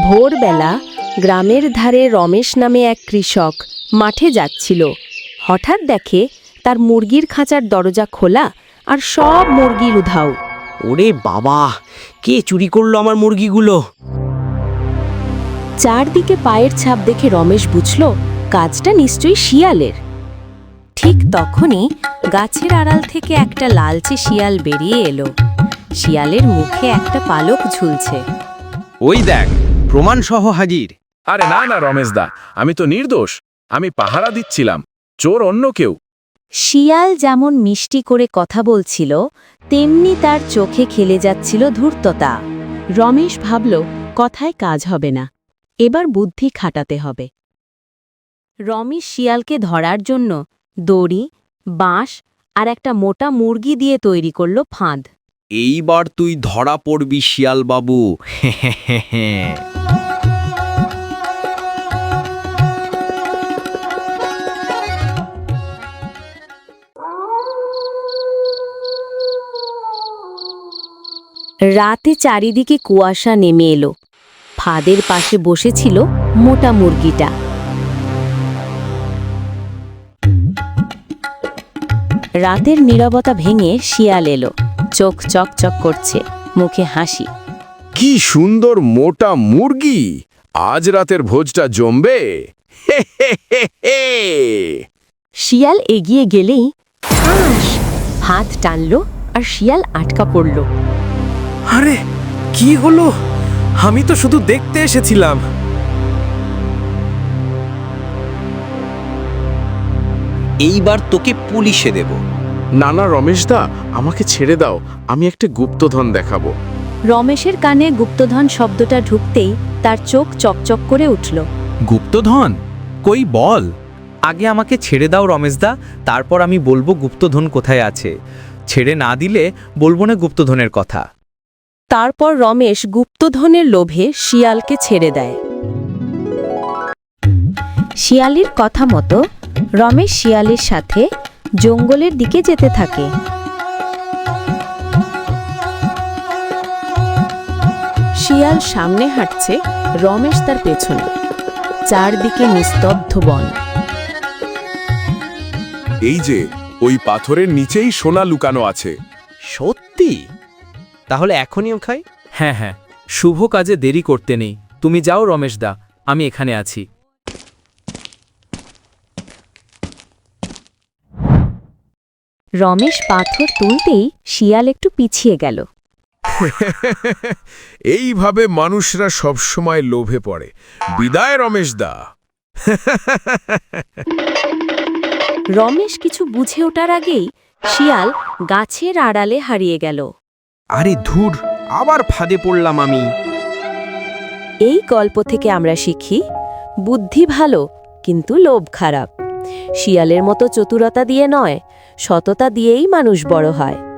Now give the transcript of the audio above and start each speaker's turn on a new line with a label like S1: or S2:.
S1: ভোরবেলা গ্রামের ধারে রমেশ নামে এক কৃষক মাঠে যাচ্ছিল। হঠাৎ দেখে তার মুরগির খাঁচার দরজা খোলা আর সব মুরগির উধাও।
S2: ওরে বাবা, কে চুরি করলো আমার মুরগিগুলো?
S1: চারদিকে পায়ের ছাপ দেখে রমেশ বুঝল কাজটা নিশ্চয়ই শিয়ালের। ঠিক তখনই গাছের আড়াল থেকে একটা লালচে শিয়াল বেরিয়ে এলো। শিয়ালের মুখে একটা পালক ঝুলছে।
S3: ওই দেখ, প্রমাণ সহ হাজির।
S4: আরে না না রমেশদা, আমি তো নির্দোষ। আমি পাহারা দিচ্ছিলাম, চোর অন্য কেউ।
S1: শিয়াল যেমন মিষ্টি করে কথা বলছিল, তেমনি তার চোখে খেলে যাচ্ছিল ধূর্ততা। রমেশ ভাবল কথায় কাজ হবে না, এবার বুদ্ধি খাটাতে হবে। রমেশ শিয়ালকে ধরার জন্য দড়ি, বাঁশ আর একটা মোটা মুরগি দিয়ে তৈরি করল ফাঁদ।
S3: এইবার তুই ধরা পড়বি শিয়াল বাবু।
S1: রাতে চারিদিকে কুয়াশা নেমে এলো। ফাঁদের পাশে বসেছিল মোটা মুরগিটা। রাতের নীরবতা ভেঙে শিয়াল এলো। চোখ চকচক করছে, মুখে হাসি।
S4: কি সুন্দর মোটা মুরগি! আজ রাতের ভোজটা জমবে।
S1: শিয়াল এগিয়ে গেলেই ঠাস হাত টানল আর শিয়াল আটকা পড়ল।
S5: আরে কি হলো? আমি তো শুধু দেখতে এসেছিলাম।
S3: এইবার তোকে পুলিশে দেব।
S4: না না রমেশদা, আমাকে ছেড়ে দাও, আমি একটা গুপ্তধন দেখাবো।
S1: রমেশের কানে গুপ্তধন শব্দটা ঢুকতেই তার চোখ চকচক করে উঠল।
S5: গুপ্তধন? কই বল। আগে আমাকে ছেড়ে দাও রমেশদা, তারপর আমি বলবো গুপ্তধন কোথায় আছে। ছেড়ে না দিলে বলবো না গুপ্তধনের কথা।
S1: তারপর রমেশ গুপ্তধনের লোভে শিয়ালকে ছেড়ে দেয়। শিয়ালির কথা মতো রমেশ শিয়ালের সাথে জঙ্গলের দিকে যেতে থাকে। শিয়াল সামনে হাঁটছে, রমেশ তার পেছনে। চারদিকে নিস্তব্ধ বন।
S4: এই যে ওই পাথরের নিচেই সোনা লুকানো আছে।
S5: সত্যি? তাহলে এখনই খাই? হ্যাঁ হ্যাঁ, শুভ কাজে দেরি করতে নেই। তুমি যাও রমেশদা, আমি এখানে আছি।
S1: রমেশ পাথর তুলতেই শিয়াল একটু পিছিয়ে গেল।
S4: এইভাবে মানুষরা সবসময় লোভে পড়ে। বিদায় রমেশদা।
S1: রমেশ কিছু বুঝে ওঠার আগেই শিয়াল গাছের আড়ালে হারিয়ে গেল।
S3: আরে ধুর, আবার ফাঁদে পড়লাম আমি।
S1: এই গল্প থেকে আমরা শিখি, বুদ্ধি ভালো কিন্তু লোভ খারাপ। শিয়ালের মতো চতুরতা দিয়ে নয়, সততা দিয়েই মানুষ বড় হয়।